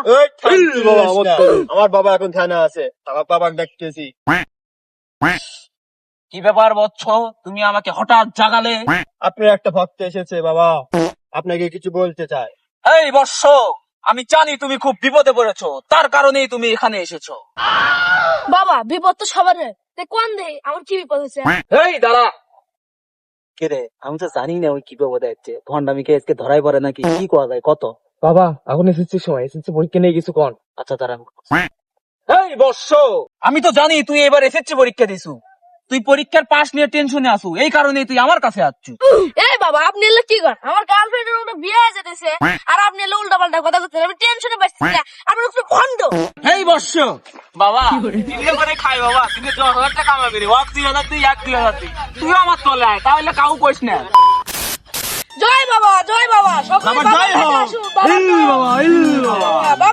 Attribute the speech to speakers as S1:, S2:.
S1: আমার বাবা এখন থানা আছে, আমার বাবাকে ডাকতেছি।
S2: কি ব্যাপার বৎস, তুমি আমাকে হঠাৎ জাগালে?
S1: আপনার একটা ভক্ত এসেছে বাবা, আপনাকে কিছু বলতে চায়।
S2: এই বৎস, আমি জানি তুমি খুব বিপদে পড়েছো, তার কারণেই তুমি এখানে এসেছো।
S3: বাবা বিপদ তো সবার, কোন দে আমার কি বিপদ হয়েছে?
S2: এই দাঁড়া। কে রে, আমি তো জানি না ওই কি বিপদে যাচ্ছে। ভন্ডামিকে আজকে ধরাই পড়ে নাকি, কি করা যায় কত?
S1: বাবা এখন এসেছে সময়, এসেছে পরীক্ষা নিয়ে কিছু কোন।
S2: আচ্ছা দাঁড়া। এই বৎস, আমি তো জানি তুই এবার এসএসসি পরীক্ষা দিছু, তুই পরীক্ষার পাস নিয়ে টেনশনে আসু, এই কারণেই তুই আমার কাছে আসছু।
S3: এই বাবা আপনি এলে কি করেন? আমার গার্লফ্রেন্ডের ওটা বিয়ে হয়ে যেতেছে, আর আপনি এলে উল্টা পাল্টা কথা বলছেন, আমি টেনশনে পাচ্ছি না। আপনার একটু ভন্ড।
S2: এই বৎস, বাবা তিনটে করে খাই বাবা, তুমি 10,000 টাকা কামাবি রে, 2,000 তুই 1,000 তুই আমার তলে আয়, তাহলে কাউ কইস না।
S3: জয় বাবা, জয় বাবা, সকলে
S1: বাবা,
S3: বাবার
S1: জয়
S3: কাছে
S1: হোক।
S3: আসুন, বাবা
S1: বাবা,
S3: বাবা